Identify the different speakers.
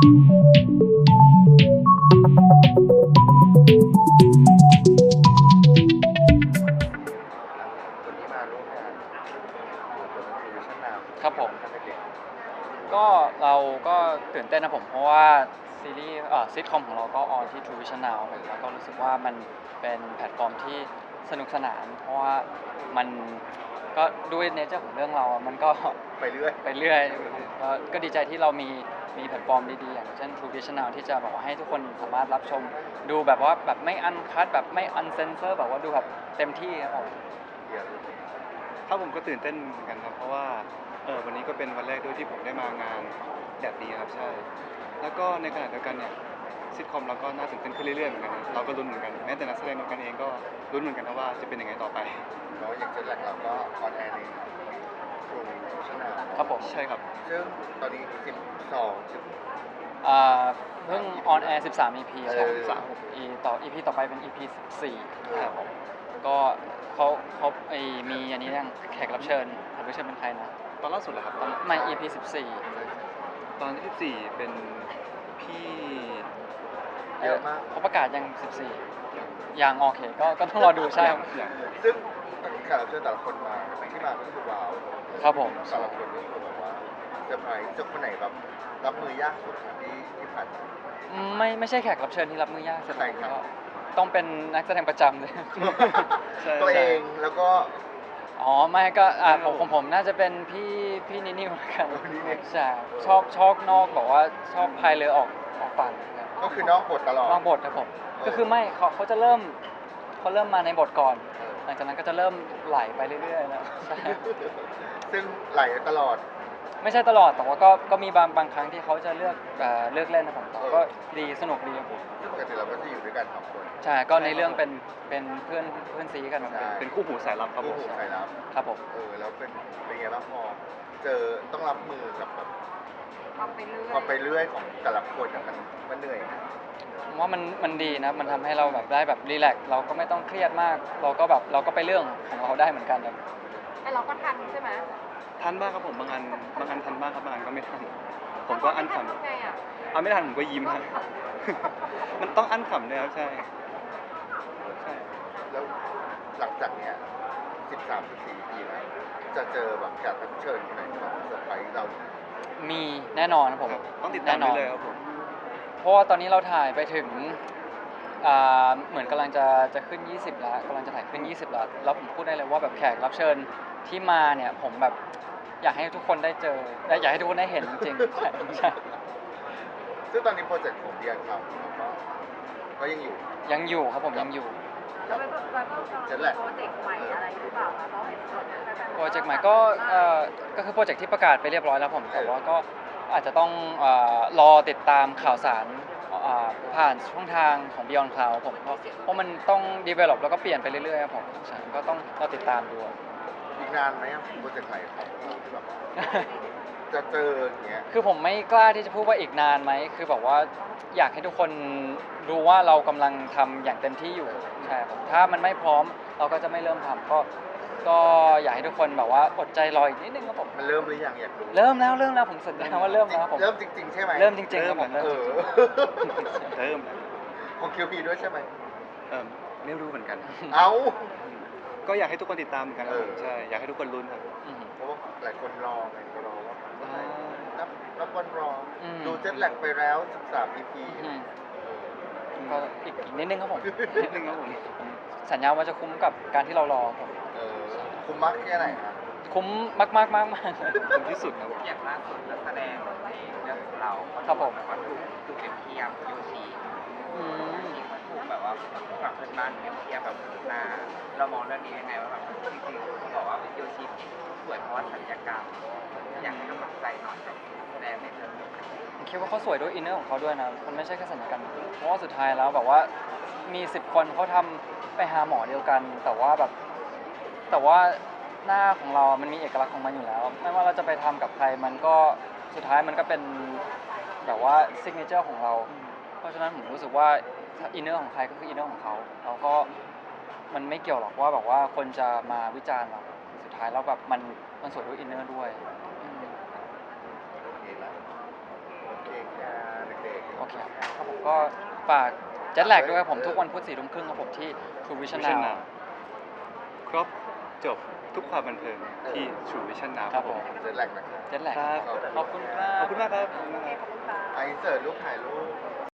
Speaker 1: วันนี้มาร่วมงานเปิดตัวทีวีชั่นนาว
Speaker 2: ครับผม
Speaker 1: ทำเด็ก
Speaker 2: ก็เราก็ตื่นเต้นนะผมเพราะว่าซีรีส์ซิทคอมของเราก็ออนที่ True Vision Now ผมแล้วก็รู้สึกว่ามันเป็นแพลตฟอร์มที่สนุกสนานเพราะว่ามันก็ด้วยเนเจอร์ของเรื่องเรามันก็
Speaker 1: ไปเรื่อย
Speaker 2: ไปเรื่อยก็ดีใจที่เรามีแพลตฟอร์มดีๆอย่างเช่น True Vision Now ที่จะบอกว่าให้ทุกคนสามารถรับชมดูแบบว่าแบบไม่อันคัทแบบไม่อันเซนเซอร์แบบว่าดูแบบเต็มที่ครับผม
Speaker 3: ถ้าผมก็ตื่นเต้นเหมือนกันครับเพราะว่าวันนี้ก็เป็นวันแรกด้วยที่ผมได้มางานแบบนี้ครับใช่แล้วก็ในขณะเดียวกันเนี่ยซิทคอมเราก็น่าตื่นเต้นขึ้นเรื่อยๆเหมือนกันนะเราก็ลุ้นเหมือนกันแม้แต่นักแสดงด้วยกันเองก็ลุ้นเหมือนกันนะว่าจะเป็นยังไงต่อไป
Speaker 1: แล้วอย่างเจนแลกเราก็ออนแอร์ในทรูชั่นนาว
Speaker 2: ครับผม
Speaker 3: ใช่ครับ
Speaker 1: ซึ่งตอนนี้
Speaker 2: เพิ่งออนแอร์13 EP ครับ EP ต่อไปเป็น EP 14ครับผมก็เขามีอันนี้ยังแขกรับเชิญเป็นใครนะ
Speaker 3: ตอนล่าสุดเหรอครับ
Speaker 2: ไม่ EP
Speaker 3: ตอนที่14เป็นพี่
Speaker 1: เยอะมาก
Speaker 2: เขาประกาศยัง14ยังโอเคก็ต้องรอดูใช่ครับ
Speaker 1: ซึ่งแขกรับเชิญแต่ละคนมาที่มาก็คือว้าว
Speaker 2: ครับผม
Speaker 1: แต่ละคนนี่คือแบบว่าเซอร์ไพรส์จบคนไหนแบบรับมือยากสุดที่ผ่านมา
Speaker 2: ไม่ใช่แขกรับเชิญที่รับมือยากสุด
Speaker 1: ใช่ครับ
Speaker 2: ก็ต้องเป็นนักแสดงประจำเลย
Speaker 1: ตัวเองแล้วก็
Speaker 2: อ๋อไม่ก็ผมน่าจะเป็นพี่นินิวแล้วกัน
Speaker 1: นินิว
Speaker 2: ใช่ชอบนอกบอกว่าชอบพายเรือออกฝั่งครับ
Speaker 1: ก็คือนอกบทตลอด
Speaker 2: นอกบทครับผมก็คือไม่เขาจะเริ่มมาในบทก่อน หลังจากนั้นก็จะเริ่มไหลไปเรื่อยๆแล้วใช่
Speaker 1: ซึ่งไหลตลอด
Speaker 2: ไม่ใช่ตลอดแต่ว่าก็มีบางครั้งที่เขาจะเลือกเล่นนะผมแต่ก็ดีสนุกดีครับผม
Speaker 1: ซึ่งปกติเราก็จะอยู่ด้วยกันสองคน
Speaker 2: ใช่ก็ในเรื่องเป็นเพื่อนซีกัน
Speaker 1: ใช่
Speaker 3: เป็นคู่หูสายลับครับผ
Speaker 1: คู่
Speaker 3: ม
Speaker 1: หูใครรับ
Speaker 2: ครับผม
Speaker 1: แล้วเป็นไงบ้างพอเจอต้องรับมือกับแบบ
Speaker 4: ความไปเรื่อย
Speaker 1: ความไปเรื่อยของแต่ละคนอะมันเหนื่อยนะ
Speaker 2: ผมว่ามันดีนะมันทำให้เราแบบได้แบบรีแลกซ์เราก็ไม่ต้องเครียดมากเราก็ไปเรื่องของเราได้เหมือนกันครับ
Speaker 4: แต่เราก็ทันใช่ไหม
Speaker 3: ทันบ้างครับผมบางอันทันบ้างครับบางอันก็ไม่ทันผมก็อั้นขำ
Speaker 4: ทำไงอ่ะ
Speaker 3: เอาไม่ทันผมก็ยิ้มฮะ มันต้องอั้นขำเลยครับใช่
Speaker 1: แล้วหลังจากเนี้ย13-14 ปีแล้วจะเจอแบบแขกรับเชิญคนไหนแบบเซอร์ไพรส์เรา
Speaker 2: มีแน่นอนครับผม
Speaker 3: ต้องติดตามได้เลยครับผม
Speaker 2: เพราะว่าตอนนี้เราถ่ายไปถึงเหมือนกำลังจะขึ้น20แล้วกำลังจะถ่ายขึ้น20แล้วผมพูดได้เลยว่าแบบแขกรับเชิญที่มาเนี่ยผมแบบอยากให้ทุกคนได้เจออยากให้ทุกคนได้เห็นจริงๆใช่
Speaker 1: ซึ่งตอนนี้โปรเจกต์ของเบียร์เขาก็ยังอยู่
Speaker 2: ยังอยู่ครับผมยังอยู่
Speaker 4: แล้วไปโปรเจกต์ใหม่อะไรหรือเปล่าคะเพราะเห็น
Speaker 2: โปรเจกต์ใหม่ก็คือโปรเจกต์ที่ประกาศไปเรียบร้อยแล้วผมแต่ว่าก็อาจจะต้องรอติดตามข่าวสารผ่านช่องทางของ Beyond Cloud ผมเพราะมันต้อง develop แล้วก็เปลี่ยนไปเรื่อยๆครับผมใช่ก็ต้องรอติดตามดู
Speaker 1: อีกนานไหมอะโปรเจกต์ใหม่ของเราที่แบบจะเจออย่างเงี้ย
Speaker 2: คือผมไม่กล้าที่จะพูดว่าอีกนานไหมคือแบบว่าอยากให้ทุกคนรู้ว่าเรากำลังทำอย่างเต็มที่อยู่ใช่ครับถ้ามันไม่พร้อมเราก็จะไม่เริ่มทำก็อยากให้ทุกคนแบบว่าอดใจรออีกนิดนึงครับผม
Speaker 1: มันเริ่มหรือยังอยากรู้
Speaker 2: เริ่มแล้วผมสัญญาว่าเริ่มแล้วผม
Speaker 1: เริ่มจริงๆใช่ไหม
Speaker 2: เริ่มจริงๆครับผม
Speaker 1: เอ
Speaker 2: เริ่ม
Speaker 1: อ
Speaker 2: จริง
Speaker 3: เริ่มแล้ว
Speaker 1: ของคิวพีด้วยใช่ไหม
Speaker 3: ไม่รู้เหมือนกัน
Speaker 1: เอ้า
Speaker 3: ก็อยากให้ทุกคนติดตามเหมือนกันครับผม
Speaker 1: เออ
Speaker 3: ใช่อยากให้ทุกคนลุ้นครับ
Speaker 1: เพราะว่าหลายคนรอไงรอว่า
Speaker 3: อ่า
Speaker 1: นับวันรออ
Speaker 2: ม
Speaker 1: ดูเจ็ตแลกไปแล้ว13 EP
Speaker 2: ก็อีกนิดนึงครับผม
Speaker 3: นิดนึงครับผม
Speaker 2: สัญญาว่าจะคุ้มกับการที่เรารอผม
Speaker 1: คุ้มมากแค่ไหนครับ
Speaker 2: คุ้มมากๆ
Speaker 3: ถึงที่สุดครับ
Speaker 5: อย่างล่าสุดนักแสดงในเรื่องของเรา
Speaker 2: ครับผม
Speaker 5: แบบว่าถูกเปรียบเทียบโยชิ
Speaker 2: อืม
Speaker 5: มันถูกแบบว่าฝั่งเพื่อนบ้านเปรียบเทียบแบบหน้าเรามองเรื่องนี้ยังไงว่าแบบจริงๆเขาบอกว่าโยชิสวยเพราะว่าศัลยกรรมอยากให้กำลังใจหน่อยกับแสดงในเรื่องนี้
Speaker 2: ผมคิดว่าเขาสวยด้วยอินเนอร์ของเขาด้วยนะมันไม่ใช่แค่สัญญกรรมเพราะว่าสุดท้ายแล้วแบบว่ามี10 คนเขาทำไปหาหมอเดียวกัน แต่ว่าหน้าของเรามันมีเอกลักษณ์ของมันอยู่แล้ว ไม่ว่าเราจะไปทำกับใครมันก็สุดท้ายมันก็เป็นแบบว่าซิกเนเจอร์ของเรา เพราะฉะนั้นผมรู้สึกว่าอินเนอร์ของใครก็คืออินเนอร์ของเขาแล้วก็มันไม่เกี่ยวหรอกว่าแบบว่าคนจะมาวิจารณ์เราสุดท้ายแล้วแบบมันสวยด้วยอินเนอร์ด้วย
Speaker 1: โอเคแล้วโอเคค่ะ
Speaker 2: ก็ฝากเจ็ตแลกด้วยครับผมทุกวันพุธ4 ทุ่มครึ่งครับผมที่ True Vision
Speaker 3: Vision
Speaker 2: Now
Speaker 3: Now ครบจบทุกความบันเทิงที่ True Vision Now
Speaker 2: ครับผม
Speaker 1: เจ็ดแรกนะครับ
Speaker 2: เจ็ตแลก
Speaker 3: ครับ
Speaker 2: ขอบคุณครับ
Speaker 3: ขอบคุณมากครับขอบคุณมากครับ
Speaker 1: ไอเสิร์ตรูปถ่ายรูป